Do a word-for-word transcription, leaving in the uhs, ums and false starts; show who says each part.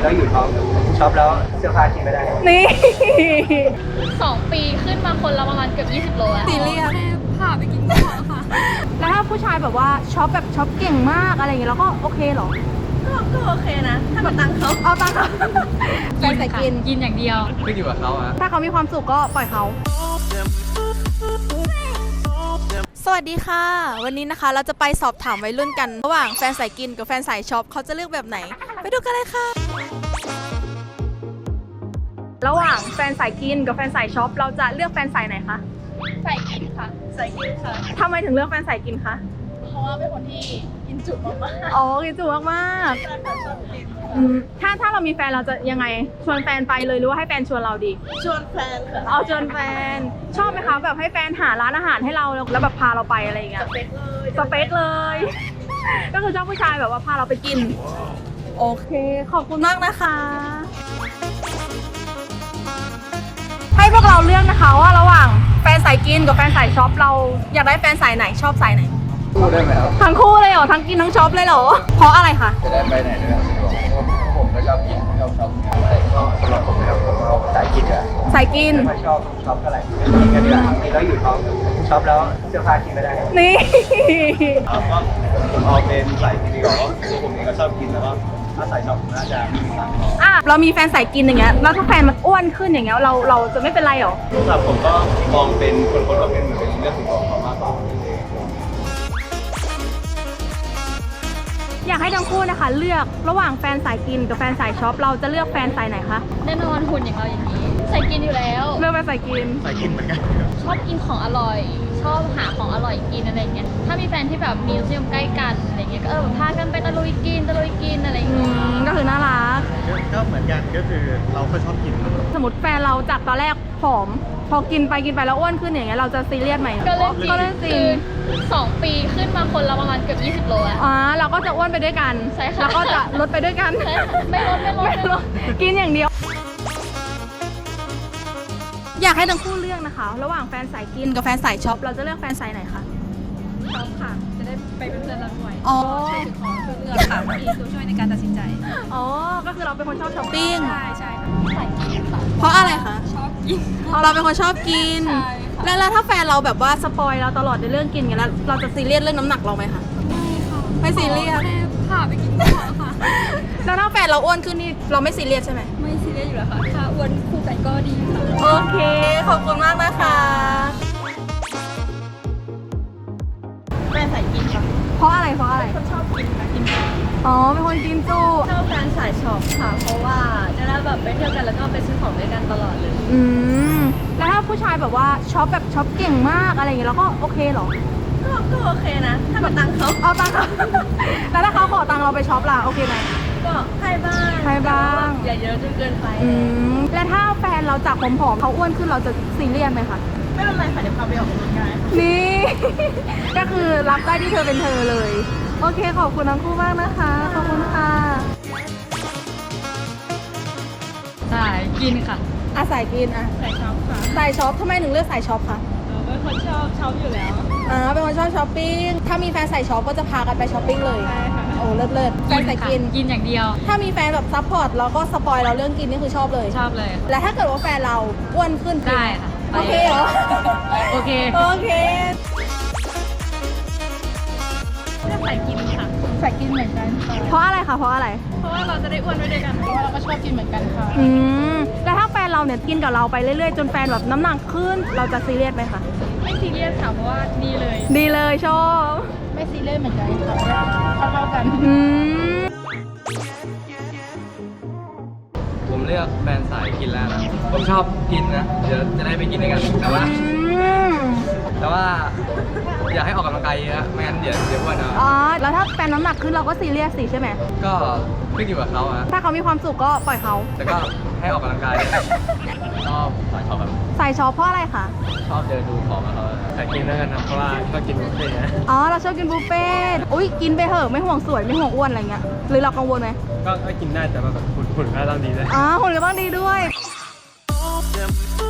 Speaker 1: แล้วอยู่ท้องช็อปแล้วเสื้อผ้ากินไม่ได้
Speaker 2: นี่
Speaker 3: สองปีขึ้นมาคนละประมาณเกือบยี่สิบโลแล้ว
Speaker 2: ซีเรียส
Speaker 3: พาไปกินข้าวค่ะ
Speaker 2: แล้วถ้าผู้ชายแบบว่าช็อปแบบช็อปเก่งมากอะไรอย่างเงี้ยแล้วก็โอเคเหรอ
Speaker 3: ก็โอเคนะถ้ามาตังเขา
Speaker 2: เอาตังเขาแฟนใส่กิน
Speaker 3: กินอย่างเดียว
Speaker 1: ขึ้นอยู่กับเขาอะ
Speaker 2: ถ้าเขามีความสุขก็ปล่อยเขาสวัสดีค่ะวันนี้นะคะเราจะไปสอบถามวัยรุ่นกันระหว่างแฟนสายกินกับแฟนสายช็อปเขาจะเลือกแบบไหนไปดูกันเลยค่ะระหว่างแฟนสายกินกับแฟนสายช็อปเราจะเลือกแฟนสายไหนคะ
Speaker 3: สายกินค่ะสายกินค่ะ
Speaker 2: ทำไมถึงเลือกแฟนสายกินคะ
Speaker 3: เพราะว่าเป็นคนที่กินจุมาก
Speaker 2: ๆอ๋อกินจุมากๆถ้าถ้าเรามีแฟนเราจะยังไงชวนแฟนไปเลยหรือว่าให้แฟนชวนเราดี
Speaker 3: ชวนแฟนค่ะ
Speaker 2: เอาชวนแฟนชอบไหมคะแบบให้แฟนหาร้านอาหารให้เราแล้วแบบพาเราไปอะไรอย่างเงี้ย
Speaker 3: สเปคเลย
Speaker 2: สเปคเลยก็คือชอบผู้ชายแบบว่าพาเราไปกินโอเคขอบคุณมากนะคะให้พวกเราเลือกนะคะว่าระหว่างแฟนสายกินกับแฟนสายช็อปเราอยากได้แฟนสายไหนชอบสายไหน
Speaker 1: คู่ได้ไหมครับ
Speaker 2: ทั้งคู่เลยเหรอทั้งกินทั้งช็อปเลยเหรอเพราะอะไรคะ
Speaker 1: จะได้ไปไหนด้วยผมก็ชอบกินชอบช็อปแต่ก็สำหรับผมนะครับผมชอบสายกินอะ
Speaker 2: สายกิน
Speaker 1: ไม่ชอบช็อปเท่าไหร่กินกันดีกว่ากินแล้วอยู่ท้องช็อปแล้วเสื้อผ้ากินไม่ได้
Speaker 2: นี่
Speaker 1: ก็ผมเอาเป็นสายกินดีกว่าตัวผมเองก็ชอบกินแล้วก็ถ้าสายช็อปน่าจะ
Speaker 2: อ่ะเรามีแฟนสายกินอย่างเงี้ยแล้วถ้าแฟนมันอ้วนขึ้นอย่างเงี้ยเราเราจะไม่เป็นไรหรอ
Speaker 1: สำหรับผมก็มองเป็นคนคนแบบเป็นเหมือนเป็นเรื่องของเขามากกว่า
Speaker 2: อยากให้ทั้งคู่นะคะเลือกระหว่างแฟนสายกินกับแฟนสายช็อปเราจะเลือกแฟนสายไหนคะ
Speaker 3: แน่นอนหุ่นอย่างเราอย่างนี้สายกินอยู่แล้ว
Speaker 2: เลือกแฟนสายกิน
Speaker 1: สายกินเหมือนกัน
Speaker 3: ชอบกินของอร่อยชอบหาของอร่อยกินอะไรเงี้ยถ้ามีแฟนที่แบบมีรสนิยมใกล้กันอะไรเงี้ยก็เออพากันไปตะลุยกินตะลุยกินอะไรอย่างเงี้ย
Speaker 2: ก็คือน่ารัก
Speaker 1: ก็เหมือนกันก็คือเราก็ชอบกิน
Speaker 2: สมมติแฟนเราจากตอนแรกผอมพอกินไปกินไปแล้วอ้วนขึ้นอย่างเงี้ยเราจะซีเรียสไหม
Speaker 3: ก็เรื่องจริงก็เรื่องจริงสองปีขึ้นมาคนละประมาณเกือบยี่สิบโลแล้ว
Speaker 2: อ๋อเราก็จะอ้วนไปด้วยกัน
Speaker 3: ใช่ค่ะ
Speaker 2: แล้วก็จะลดไปด้วยกัน
Speaker 3: ไม่ลดไม่ลดไม่ลด
Speaker 2: กินอย่างเดียวอยากให้ทั้งคู่เลือกนะคะระหว่างแฟนสายกินกับแฟนสายช็อปเราจะเลือกแฟนสายไหนคะ
Speaker 3: ช็อปค่ะจะได้ไปเป็นเพื่อนเราด้วย
Speaker 2: อ๋อ
Speaker 3: ช่วยถือของช่วยเลือกค่ะมีตัวช่วยในการตัดสินใจ
Speaker 2: อ๋อก็คือเราเป็นคนชอบช้อปปิ้ง
Speaker 3: ใช่ใช่สายกินค่ะ
Speaker 2: เพราะอะไรคะ
Speaker 3: ชอบกิน
Speaker 2: เราเป็นคนชอบกินแล้วแล้วถ้าแฟนเราแบบว่าสปอยเราตลอดในเรื่องกินกันแล้วเราจะซีเรียสเรื่องน้ำหนักเราไหมคะ
Speaker 3: ไม่ค่ะ
Speaker 2: ไม่ซีเรียส
Speaker 3: พาไปกินข้าวค่ะ
Speaker 2: แล้วถ้าแฟนเราอ้วนขึ้นนี่เราไม่ซีเรียสใช่ไหม
Speaker 3: ไม่ซีเรียสอยู่แล้วค่ะถ้าอ้วนคู่กันก็ดีค่ะ
Speaker 2: โอเคขอบคุณมากนะคะ
Speaker 3: แฟนสายกินค่ะ
Speaker 2: เพราะอะไรเพราะอะไร
Speaker 3: คนชอบกินนะกิน
Speaker 2: อ๋อเป็นคนกินจุ
Speaker 3: ชอบแฟนสายช็อปค่ะเพราะว่าจะได้แบบไปเที่ยวกันแล้วก็ไปซื้อของด้วยกันตลอดเลย
Speaker 2: อืมแล้วถ้าผู้ชายแบบว่าช็อปแบบช็อปเก่งมากอะไรอย่างเงี้ยเราก็โอเคเหรอ
Speaker 3: ก็ก็โอเคนะถ้ามาตังเขา
Speaker 2: เอาตังเขาแล้วถ้าเขาขอตังเราไปช็อปล่ะโอเคไหม
Speaker 3: ก็ให้บ้าง
Speaker 2: ให้บ้าง
Speaker 3: อย่าเยอะจนเกินไป
Speaker 2: อืมแล้วถ้าแฟนเราจากผอมๆเขาอ้วนขึ้นเราจะซีเรียสไหมคะ
Speaker 3: ไม่เป็นไรค่ะเดี๋ยวพาไปออกกำลังกาย
Speaker 2: นี่ก็คือรับได้ที่เธอเป็นเธอเลยโอเคขอบคุณทั้งคู่มากนะคะขอบคุณค่ะ
Speaker 3: สายกินค่ะ
Speaker 2: อ่ะสายกินอ่ะ
Speaker 3: สายช็อปค่ะ
Speaker 2: สายช็อปทำไมถึงเลือกสายช็อปคะ
Speaker 3: เป็นคนชอบช็อปอยู่แล้ว
Speaker 2: อ่าเป็นคนชอบช้อปปิ้งถ้ามีแฟนสายช็อปก็จะพากันไปช้อปปิ้งเลย
Speaker 3: ใช่ค่ะ
Speaker 2: โอ้เลิศเลิศแฟนสายกิน
Speaker 3: กินอย่างเดียว
Speaker 2: ถ้ามีแฟนแบบซัพพอร์ตแล้วก็สปอยเราเรื่องกินนี่คือชอบเลย
Speaker 3: ชอบเลย
Speaker 2: แล้วถ้าเกิดว่าแฟนเราอ้วนขึ้น
Speaker 3: ได้ค่ะ
Speaker 2: โอเคเหรอ
Speaker 3: โอเค
Speaker 2: โอเค
Speaker 3: เลือกสายกินค่ะ
Speaker 2: สายกินเหมือนกันเพราะอะไรคะเพราะอะไร
Speaker 3: เพราะว่าเราจะได้อ้วนด้วยกันเพราะว่าเราก็ชอบกินเหมือนกันค่ะ
Speaker 2: อืมแล้วถ้าแฟนเราเนี่ยกินกับเราไปเรื่อยๆจนแฟนแบบน้ำหนักขึ้นเราจะซีเรียสไหมคะ
Speaker 3: ไม่ซีเรียสค่ะเพราะว่าดีเลย
Speaker 2: ดีเลยชอบ
Speaker 3: ไม่ซีเรียสเหมือนกันค่ะเท่าๆกัน
Speaker 2: อืม
Speaker 1: ผมเลือกแฟนสายกินแล้วนะผมชอบกินนะเดี๋ยวจะได้ไปกินด้วยกันแต่ว่าแต่ว่าอยากให้ออกกำลังกายเยอะไม่งั้นเดี๋ยวเดี๋ยวอ้วนเอา
Speaker 2: อ๋อแล้วถ้าแฟนน้ำหนักขึ้นเราก็ซีเรียสสิใช่ไหม
Speaker 1: ก็ขึ้นอยู่กับเขาอะ
Speaker 2: ถ้าเขามีความสุขก็ปล่อยเขา
Speaker 1: แต่ก็ให้ออกกำลังกายชอบสายช็อปแบบ
Speaker 2: สายช็อปเพราะอะไรคะ
Speaker 1: ชอบเดินดูของเขาแต่กินด้วยกันนะเพราะว่าชอบกินบุฟเฟ่ต์
Speaker 2: อ๋อเราชอบกินบุฟเฟ่ต์อุ้ยกินไปเถอะไม่ห่วงสวยไม่ห่วงอ้วนอะไรเงี้ยหรือเรากังวลไหม
Speaker 1: ก็กินได้แต่แบบหุ่นหุ่นก็ต้องดีด้วย
Speaker 2: อ๋อหุ่นก็ต้องดีด้วย